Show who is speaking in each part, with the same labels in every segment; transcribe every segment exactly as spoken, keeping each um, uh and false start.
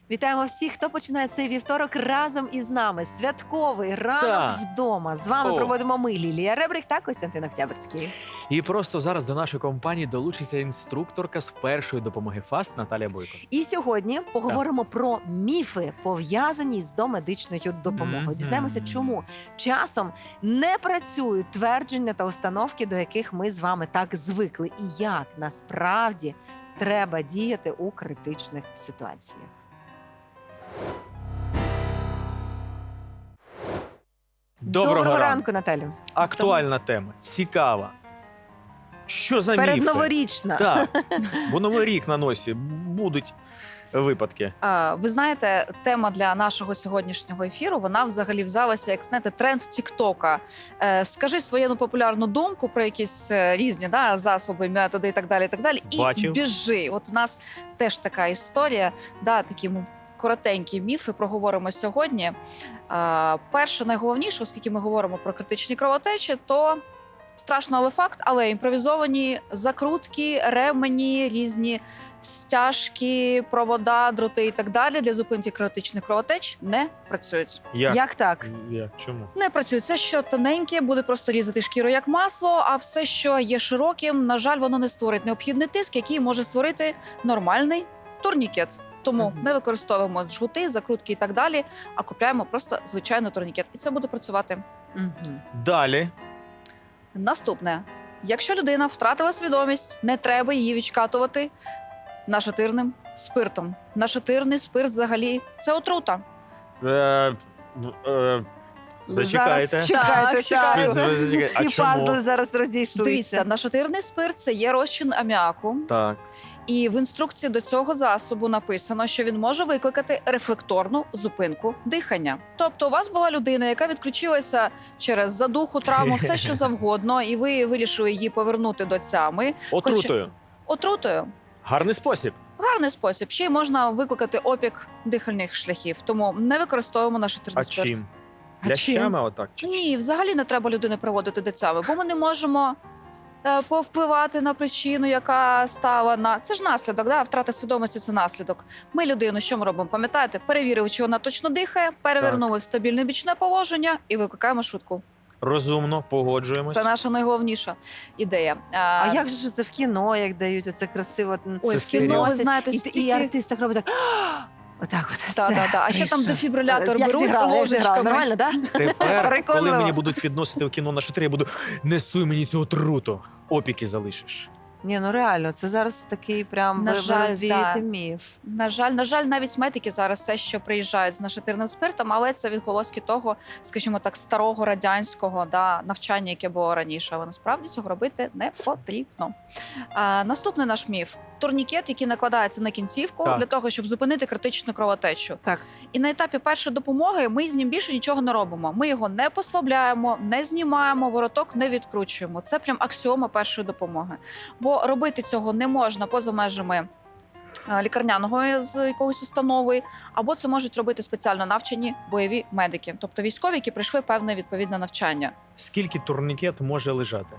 Speaker 1: Вітаємо всіх, хто починає цей вівторок разом із нами. Святковий ранок
Speaker 2: Так.
Speaker 1: вдома. З вами
Speaker 2: О.
Speaker 1: проводимо ми, Лілія Ребрик та Костянтин Октябрьський.
Speaker 2: І просто зараз до нашої компанії долучиться інструкторка з першої допомоги ФАСТ Наталія Бойко.
Speaker 1: І сьогодні поговоримо про міфи, пов'язані з домедичною допомогою.
Speaker 2: Мгм.
Speaker 1: Дізнаємося, чому часом не працюють твердження та установки, до яких ми з вами так звикли, і як насправді треба діяти у критичних ситуаціях.
Speaker 2: Доброго,
Speaker 1: Доброго
Speaker 2: ранку.
Speaker 1: ранку, Наталю.
Speaker 2: Актуальна тема, цікава. Що за міфи?
Speaker 1: Передноворічна.
Speaker 2: Так, бо новий рік на носі, будуть випадки.
Speaker 3: А, Ви знаєте, тема для нашого сьогоднішнього ефіру, вона взагалі взялася, як знаєте, тренд Тіктока. Е, скажи свою ну, популярну думку про якісь е, різні да, засоби, методи і так далі, і так далі. І
Speaker 2: Бачив.
Speaker 3: біжи. От у нас теж така історія, да, такі м, коротенькі міфи проговоримо сьогодні. Е, перше, найголовніше, оскільки ми говоримо про критичні кровотечі, то страшно, але факт, але імпровізовані закрутки, ремені, різні стяжки, провода, дроти і так далі для зупинки критичних кровотеч не працюють.
Speaker 2: Як?
Speaker 1: Як так?
Speaker 2: Як? Чому?
Speaker 3: Не працюють. Все, що тоненьке, буде просто різати шкіру як масло, а все, що є широким, на жаль, воно не створить необхідний тиск, який може створити нормальний турнікет. Тому
Speaker 1: Мгм.
Speaker 3: не використовуємо жгути, закрутки і так далі, а купляємо просто звичайний турнікет. І це буде працювати.
Speaker 1: Мгм.
Speaker 2: Далі.
Speaker 3: Наступне. Якщо людина втратила свідомість, не треба її відкатувати нашатирним спиртом. Нашатирний спирт взагалі це отрута.
Speaker 2: Е, е, зачекайте.
Speaker 1: Зараз чекайте,
Speaker 3: Так, чекаю.
Speaker 1: так.
Speaker 2: Ви зачекайте. А
Speaker 1: Всі
Speaker 2: чому?
Speaker 1: пазли зараз розійшлися.
Speaker 3: Дивіться, нашатирний спирт це є розчин аміаку.
Speaker 2: Так.
Speaker 3: І в інструкції до цього засобу написано, що він може викликати рефлекторну зупинку дихання. Тобто, у вас була людина, яка відключилася через задуху, травму, все що завгодно, і ви вирішили її повернути до тями
Speaker 2: Отрутою.
Speaker 3: отрутою.
Speaker 2: Гарний спосіб.
Speaker 3: Гарний спосіб. Ще й можна викликати опік дихальних шляхів. Тому не використовуємо нашатирний
Speaker 2: А
Speaker 3: спирт.
Speaker 2: чим?
Speaker 1: А
Speaker 2: Лящами отак? Чи чим?
Speaker 3: Ні, взагалі не треба людини приводити до цями, бо ми не можемо е, повпливати на причину, яка стала на це ж наслідок. Да? Втрата свідомості це наслідок. Ми людину, що ми робимо? Пам'ятаєте, перевірили, чи вона точно дихає, перевернули в стабільне бічне положення і викликаємо швидку.
Speaker 2: Розумно, погоджуємось.
Speaker 3: Це наша найголовніша ідея.
Speaker 1: А як же ж це в кіно, як дають оце красиво?
Speaker 3: Ой,
Speaker 2: Це
Speaker 3: в кіно, ви
Speaker 1: носять,
Speaker 3: знаєте,
Speaker 1: і, і
Speaker 3: стільки...
Speaker 1: артист так робить так. Отак от.
Speaker 3: Та,
Speaker 1: все,
Speaker 3: та, та. А ще там
Speaker 1: вийшло.
Speaker 3: дефібрилятор
Speaker 1: Як
Speaker 3: беруть з
Speaker 1: зіграла, як зіграла.
Speaker 3: ложечками.
Speaker 1: Нормально, так?
Speaker 2: Тепер, коли
Speaker 1: Переконливо.
Speaker 2: мені будуть підносити в кіно на шатри, я буду несуй мені цю отруту. Опіки залишиш.
Speaker 1: Ні, ну реально, це зараз такий прям
Speaker 3: На
Speaker 1: ви- ви
Speaker 3: жаль,
Speaker 1: розвієте
Speaker 3: да.
Speaker 1: міф.
Speaker 3: На жаль, на жаль, навіть медики зараз все, що приїжджають з нашатирним спиртом, але це відголоски того, скажімо так, старого радянського да, навчання, яке було раніше. Але насправді цього робити не потрібно. А, наступний наш міф: турнікет, який накладається на кінцівку
Speaker 2: Так.
Speaker 3: для того, щоб зупинити критичну кровотечу.
Speaker 1: Так.
Speaker 3: І на етапі першої допомоги ми з ним більше нічого не робимо. Ми його не послабляємо, не знімаємо, вороток не відкручуємо. Це прям аксіома першої допомоги. Бо робити цього не можна поза межами е, лікарняного з якоїсь установи, або це можуть робити спеціально навчені бойові медики, тобто військові, які пройшли певне відповідне навчання.
Speaker 2: Скільки турнікет може лежати?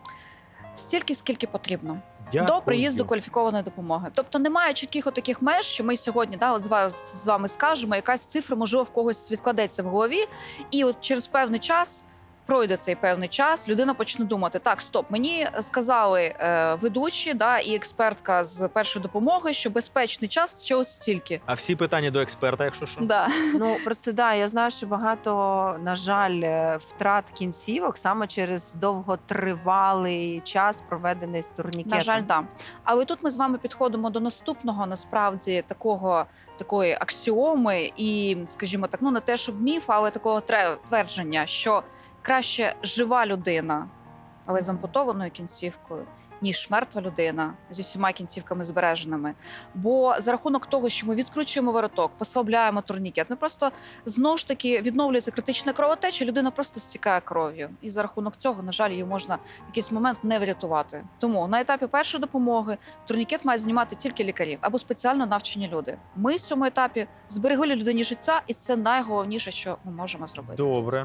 Speaker 3: Стільки, скільки потрібно.
Speaker 2: Дякую.
Speaker 3: До приїзду кваліфікованої допомоги. Тобто немає чітких отаких меж, що ми сьогодні да, от з, вас, з вами скажемо, якась цифра, можливо, в когось відкладеться в голові, і от через певний час, пройде цей певний час, людина почне думати, так, стоп, мені сказали е, ведучі да, і експертка з першої допомоги, що безпечний час ще ось стільки.
Speaker 2: А всі питання до експерта, якщо що?
Speaker 3: Да.
Speaker 1: Ну просто да, я знаю, що багато, на жаль, е, втрат кінцівок саме через довготривалий час, проведений з турнікетом.
Speaker 3: На жаль, да. Але тут ми з вами підходимо до наступного, насправді, такого, такої аксіоми і, скажімо так, ну не те, щоб міф, але такого тре- твердження, що краще жива людина, але з ампутованою кінцівкою, ніж мертва людина зі всіма кінцівками збереженими. Бо за рахунок того, що ми відкручуємо вороток, послабляємо турнікет, ми просто знову ж таки відновлюється критична кровотеча, людина просто стікає кров'ю. І за рахунок цього, на жаль, її можна в якийсь момент не врятувати. Тому на етапі першої допомоги турнікет мають знімати тільки лікарі або спеціально навчені люди. Ми в цьому етапі зберегли людині життя, і це найголовніше, що ми можемо зробити.
Speaker 2: Добре.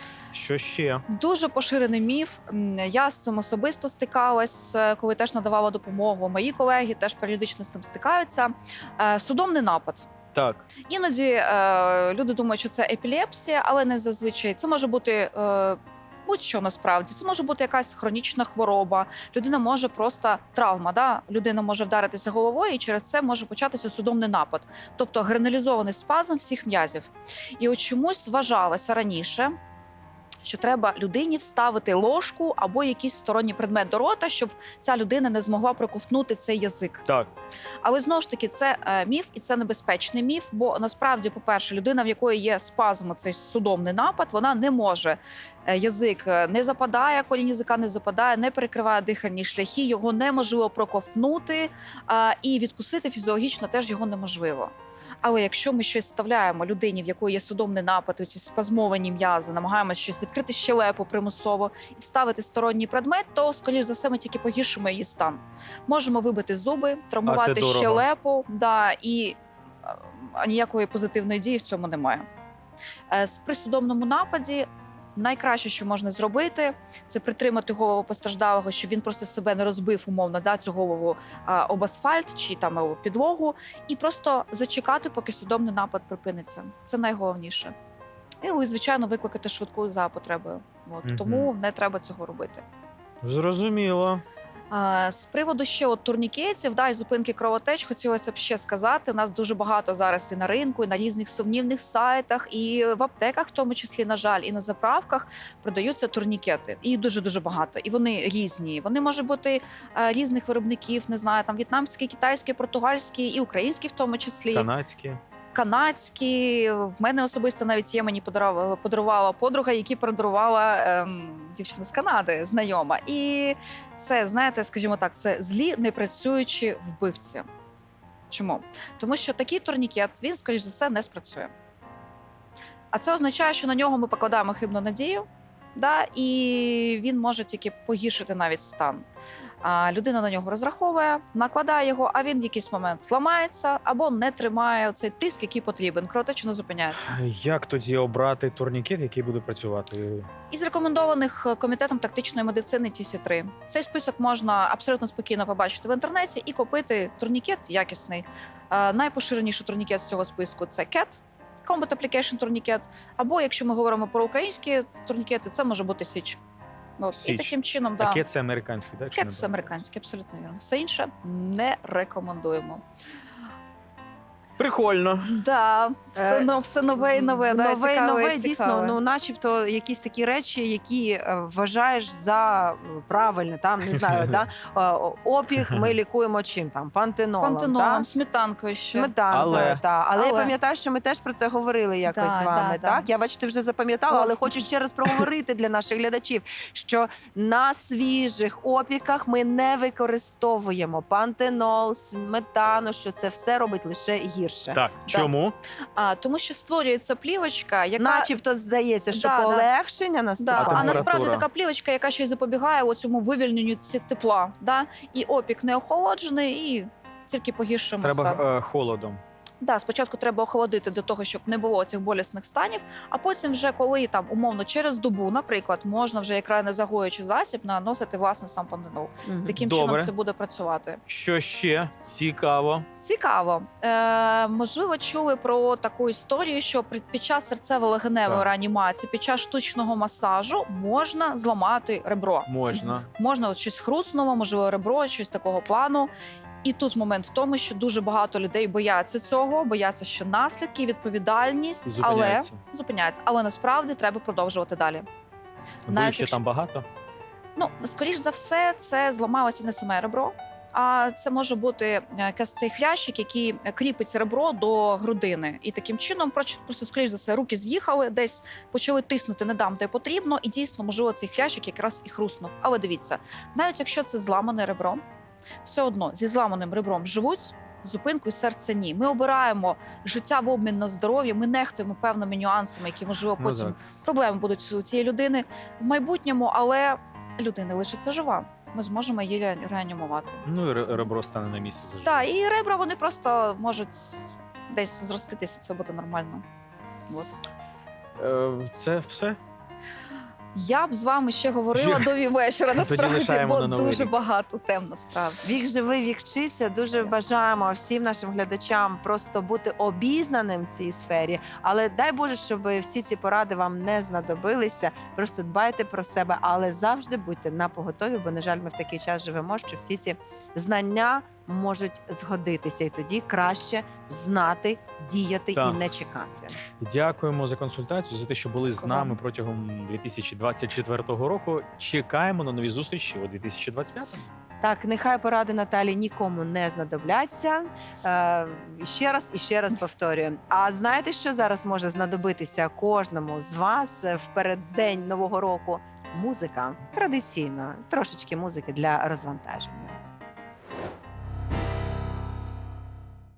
Speaker 2: Що ще?
Speaker 3: Дуже поширений міф. М, Я з цим особисто стикалась, е, коли теж надавала допомогу. Мої колеги теж періодично з цим стикаються. Е, Судомний напад.
Speaker 2: Так.
Speaker 3: Іноді е, люди думають, що це епілепсія, але не зазвичай. Це може бути е, будь-що насправді. Це може бути якась хронічна хвороба. Людина може просто травма. Да? Людина може вдаритися головою, і через це може початися судомний напад, тобто гранулізований спазм всіх м'язів. І от чомусь вважалося раніше, що треба людині вставити ложку або якийсь сторонній предмет до рота, щоб ця людина не змогла проковтнути цей язик.
Speaker 2: Так.
Speaker 3: Але знову ж таки, це е, міф, і це небезпечний міф. Бо насправді, по-перше, людина, в якої є спазм, цей судомний напад, вона не може. Е, язик не западає, колінь язика не западає, не перекриває дихальні шляхи, його неможливо проковтнути, е, і відкусити фізіологічно теж його неможливо. Але якщо ми щось вставляємо людині, в якої є судомний напад, ці спазмовані м'язи, намагаємося щось відкрити щелепу примусово і вставити сторонній предмет, то, скоріш за все, ми тільки погіршимо її стан. Можемо вибити зуби, травмувати
Speaker 2: дорого.
Speaker 3: щелепу, да, і а, ніякої позитивної дії в цьому немає. Е, з- При судомному нападі найкраще, що можна зробити, це притримати голову постраждалого, щоб він просто себе не розбив умовно, да, цю голову а, об асфальт чи там об підлогу, і просто зачекати, поки судомний напад припиниться. Це найголовніше. І, звичайно, викликати швидку за потребою. От.
Speaker 2: Мгм.
Speaker 3: Тому не треба цього робити.
Speaker 2: Зрозуміло.
Speaker 3: А, з приводу ще от турнікетів, да, і зупинки кровотеч, хотілося б ще сказати. У нас дуже багато зараз і на ринку, і на різних сумнівних сайтах, і в аптеках, в тому числі, на жаль, і на заправках продаються турнікети. І дуже дуже багато. І вони різні. Вони можуть бути е, різних виробників, не знаю, там в'єтнамські, китайські, португальські і українські, в тому числі.
Speaker 2: Канадські.
Speaker 3: Канадські. В мене особисто навіть є, мені подарувала, подарувала подруга, які подарувала ем, дівчина з Канади, знайома. І це, знаєте, скажімо так, це злі непрацюючі вбивці. Чому? Тому що такий турнікет, він, скоріш за все, не спрацює. А це означає, що на нього ми покладаємо хибну надію, да, і він може тільки погіршити навіть стан. А людина на нього розраховує, накладає його, а він в якийсь момент зламається або не тримає цей тиск, який потрібен. Кровотеча не зупиняється.
Speaker 4: Як тоді обрати турнікет, який буде працювати?
Speaker 3: Із рекомендованих комітетом тактичної медицини Ті Сі три. Цей список можна абсолютно спокійно побачити в інтернеті і купити турнікет якісний. Е, Найпоширеніший турнікет з цього списку – це кет, Combat Application турнікет. Або, якщо ми говоримо про українські турнікети, це може бути Січ. От. І
Speaker 4: Січ.
Speaker 3: таким чином, да.
Speaker 4: Таке це американський, так?
Speaker 3: Кет це американський, абсолютно вірно. Все інше не рекомендуємо.
Speaker 2: Прикольно.
Speaker 3: Да, все,
Speaker 1: Е,
Speaker 3: но, все нове і нове. Да,
Speaker 1: нове, і
Speaker 3: цікаве,
Speaker 1: нове,
Speaker 3: цікаве.
Speaker 1: дійсно, ну, начебто, якісь такі речі, які е, вважаєш за е, правильне, там, не знаю, да? Е, опік ми лікуємо чим там? Пантенолом,
Speaker 3: Пантенолом,
Speaker 1: да?
Speaker 3: сметанкою ще.
Speaker 1: Сметанкою,
Speaker 2: Але-
Speaker 1: та. Але, я
Speaker 3: Але-
Speaker 1: пам'ятаю, що ми теж про це говорили якось
Speaker 3: Да,
Speaker 1: з вами.
Speaker 3: да, да.
Speaker 1: так? Я, бачите, вже запам'ятала, але
Speaker 3: Ох.
Speaker 1: хочу ще раз проговорити для наших глядачів, що на свіжих опіках ми не використовуємо пантенол, сметану, що це все робить лише гірше.
Speaker 2: Так,
Speaker 3: Да.
Speaker 2: чому?
Speaker 3: А, тому що створюється плівочка, яка...
Speaker 1: Начебто здається, що
Speaker 3: Да, да.
Speaker 1: полегшення
Speaker 3: Да,
Speaker 1: наступає.
Speaker 3: а
Speaker 2: температура?
Speaker 3: насправді така плівочка, яка ще й запобігає оцьому вивільненню ці тепла. Да? І опік не охолоджений, і тільки погіршимо стан.
Speaker 4: Треба е, холодом.
Speaker 3: Да, спочатку треба охолодити для того, щоб не було цих болісних станів, а потім вже коли там умовно через добу, наприклад, можна вже як не загоюючий засіб наносити власне сам пантенол.
Speaker 1: Мгм.
Speaker 3: Таким
Speaker 2: Добре.
Speaker 3: чином це буде працювати.
Speaker 2: Що ще цікаво?
Speaker 3: Цікаво. Е, можливо, чули про таку історію, що при- під час серцево-легеневої
Speaker 2: Так.
Speaker 3: реанімації, під час штучного масажу можна зламати ребро.
Speaker 2: Можна.
Speaker 3: Можна от щось хруснуло, можливо, ребро, щось такого плану. І тут момент в тому, що дуже багато людей бояться цього, бояться, що наслідки, відповідальність,
Speaker 2: І
Speaker 3: але
Speaker 2: зупиняється.
Speaker 3: зупиняється. Але насправді треба продовжувати далі. Навіть
Speaker 2: Ще
Speaker 3: якщо-
Speaker 2: там багато?
Speaker 3: Ну, скоріш за все, це зламалося не саме ребро, а це може бути е, якийсь цей хрящик, який кріпить ребро до грудини. І таким чином, проч- просто, скоріш за все, руки з'їхали, десь почали тиснути не там, де потрібно, і дійсно, можливо, цей хрящик якраз і хруснув. Але дивіться, навіть якщо це зламане ребро, все одно зі зламаним ребром живуть, зупинкою серця ні. Ми обираємо життя в обмін на здоров'я, ми нехтуємо певними нюансами, які, можливо,
Speaker 2: Ну,
Speaker 3: потім
Speaker 2: так.
Speaker 3: проблеми будуть у цієї людини в майбутньому, але людина лишиться жива. Ми зможемо її ре- реанімувати.
Speaker 2: Ну і ре- ребро стане на місці заживе.
Speaker 3: Так, і ребра вони просто можуть десь зроститися, це буде нормально. От.
Speaker 2: Е, Це все?
Speaker 3: Я б з вами ще говорила
Speaker 2: Ще-
Speaker 3: до вечора,
Speaker 2: Тоді
Speaker 3: насправді,
Speaker 2: лишаємо
Speaker 3: бо
Speaker 2: на Новий
Speaker 3: дуже
Speaker 2: рік.
Speaker 3: багато тем, насправді.
Speaker 1: Вік живий, вік вчися. Дуже бажаємо всім нашим глядачам просто бути обізнаним в цій сфері. Але дай Боже, щоб всі ці поради вам не знадобилися. Просто дбайте про себе, але завжди будьте на поготові, бо, на жаль, ми в такий час живемо, що всі ці знання можуть згодитися, і тоді краще знати, діяти
Speaker 2: Так.
Speaker 1: і не чекати.
Speaker 4: Дякуємо за консультацію, за те, що були з
Speaker 3: Дякую
Speaker 4: нами
Speaker 3: вам.
Speaker 4: протягом дві тисячі двадцять четвертого року. Чекаємо на нові зустрічі у дві тисячі двадцять п'ятому.
Speaker 1: Так, нехай поради Наталі нікому не знадобляться. Е, ще раз і ще раз повторюю. А знаєте, що зараз може знадобитися кожному з вас в переддень Нового року? Музика. Традиційно, трошечки музики для розвантаження.